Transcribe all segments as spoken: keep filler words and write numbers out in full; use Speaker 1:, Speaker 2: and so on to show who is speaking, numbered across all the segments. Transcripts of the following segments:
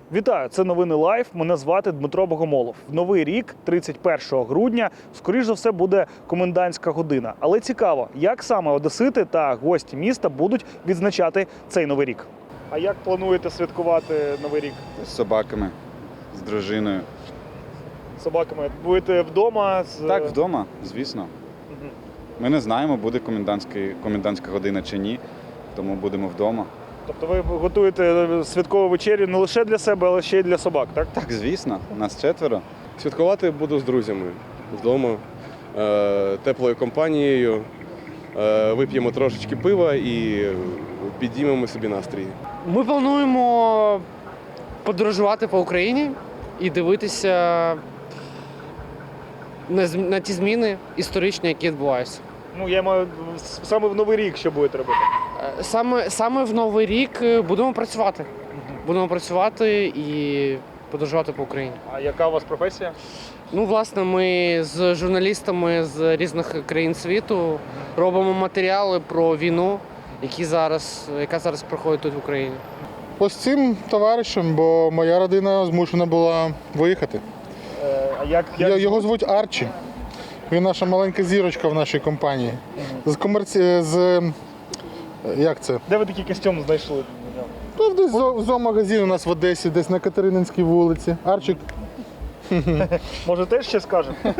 Speaker 1: Вітаю, це новини Лайв. Мене звати Дмитро Богомолов. В новий рік, тридцять першого грудня, скоріш за все буде комендантська година. Але цікаво, як саме одесити та гості міста будуть відзначати цей новий рік. А як плануєте святкувати новий рік?
Speaker 2: З собаками, з дружиною.
Speaker 1: З собаками будете вдома? З...
Speaker 2: Так, вдома, звісно.
Speaker 1: Угу.
Speaker 2: Ми не знаємо, буде комендантська година чи ні, тому будемо вдома.
Speaker 1: Тобто ви готуєте святкову вечерю не лише для себе, але ще й для собак, так?
Speaker 2: Так, звісно, нас четверо.
Speaker 3: Святкувати буду з друзями вдома, е, теплою компанією, е, вип'ємо трошечки пива і підіймемо собі настрій.
Speaker 4: Ми плануємо подорожувати по Україні і дивитися на, зм- на ті зміни історичні, які відбуваються.
Speaker 1: Ну, я маю саме в новий рік, що будете робити?
Speaker 4: Е, Саме, саме в Новий рік е, будемо працювати. Будемо працювати і подорожувати по Україні.
Speaker 1: А яка у вас професія?
Speaker 4: Ну, власне, ми з журналістами з різних країн світу робимо матеріали про війну, які зараз, яка зараз проходить тут в Україні.
Speaker 5: Ось цим товаришем, бо моя родина змушена була виїхати.
Speaker 1: Е, а як, як...
Speaker 5: Я- Його звуть Арчі. Він наша маленька зірочка в нашій компанії. З комерці... з... Як це?
Speaker 1: Де ви такий костюм знайшли?
Speaker 5: Ну, десь зо- в зоомагазин у нас в Одесі, десь на Катерининській вулиці. Арчик.
Speaker 1: Може, теж ще скажете?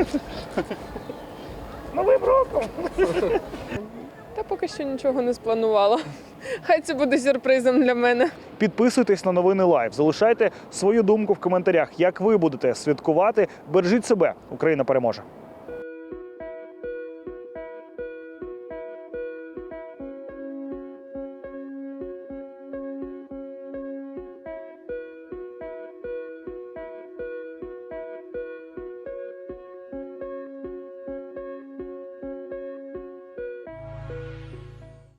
Speaker 1: Новим роком!
Speaker 6: Та поки що нічого не спланувала. Хай це буде сюрпризом для мене.
Speaker 1: Підписуйтесь на новини Лайв, залишайте свою думку в коментарях, як ви будете святкувати. Бережіть себе, Україна переможе!